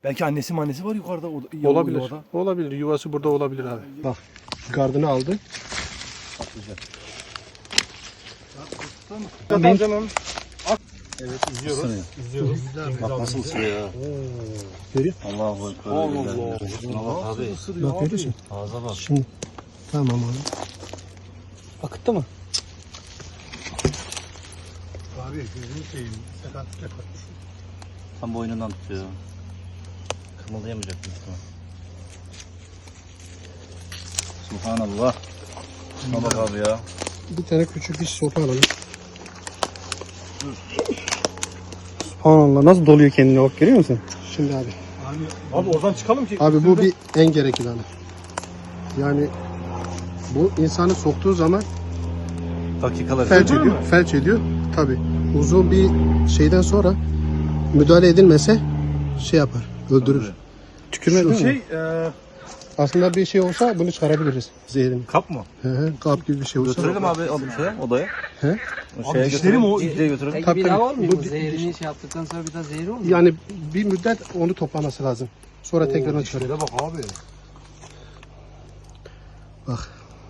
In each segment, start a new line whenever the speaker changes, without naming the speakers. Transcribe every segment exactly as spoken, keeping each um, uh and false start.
Belki annesi annesi var yukarıda. O,
Olabilir.
yuvada.
Olabilir. Yuvası burada olabilir abi. Bak. Gardını aldı.
Tamam canım.
Evet izliyoruz. İzliyoruz.
Bak nasıl ısırıyor ya.
Görüyor
Allahu Ekber.
Allah Allah.
Şuna bak abi.
Bak görüyorsun.
Ağza bak.
Şimdi tamam abi.
Akıttı mı?
Abi gözünü seveyim. Sakatlık yapar.
Tam boynundan tutuyor. Kımıldayamayacak mısın? Subhanallah. Şuna bak abi ya.
Bir tane küçük bir sopa alalım. Subhanallah nasıl doluyor kendine bak görüyor musun? Şimdi abi.
Abi oradan çıkalım ki.
Abi bu bir en gerekli hani. Yani bu insanı soktuğu zaman
Dakikalar.
felç
Öldürür
ediyor.
mü?
Felç ediyor. Tabi. Uzun bir şeyden sonra müdahale edilmese şey yapar. Öldürür. Tükürme
Şu
değil mi?
şey e,
Aslında bir şey olsa bunu çıkarabiliriz. Zehrini.
kap mı?
Hı hı. Kap gibi bir şey olsa.
Götürelim abi o şeye, odaya.
He?
O şeye
dişleri mi o?
götürelim. götürelim.
Peki
Tabii,
bir daha
tabii.
olmuyor
Bu
mu?
di-
Zehirini şey yaptıktan sonra bir daha zehri olmuyor mu?
Yani bir müddet onu toplaması lazım. Sonra tekrardan çıkarıyor.
bak abi.
Bak.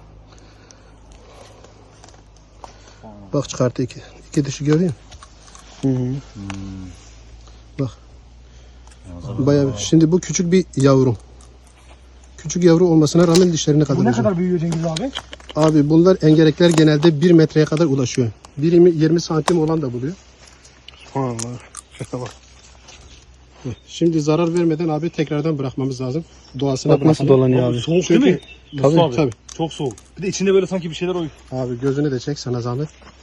Bak çıkarttı iki. İki dişi görüyor musun? Hı hı. Bak. Bayağı bir- Şimdi bu küçük bir yavru. Küçük yavru olmasına rağmen dişlerini kadar
Bu ne
uzun.
kadar büyüyor Cengiz abi?
Abi bunlar engerekler genelde bir metreye kadar ulaşıyor. Birimi yirmi santim olan da buluyor. Subhanallah. Şaka bak. Heh, Şimdi zarar vermeden abi tekrardan bırakmamız lazım. Doğasına
Bak nasıl
dolanıyor
abi. Soğuk değil mi?
Tabii
Mustafa abi.
tabii.
Çok soğuk. Bir de içinde böyle sanki bir şeyler oyuyor.
Abi gözünü de çek sana zahmet.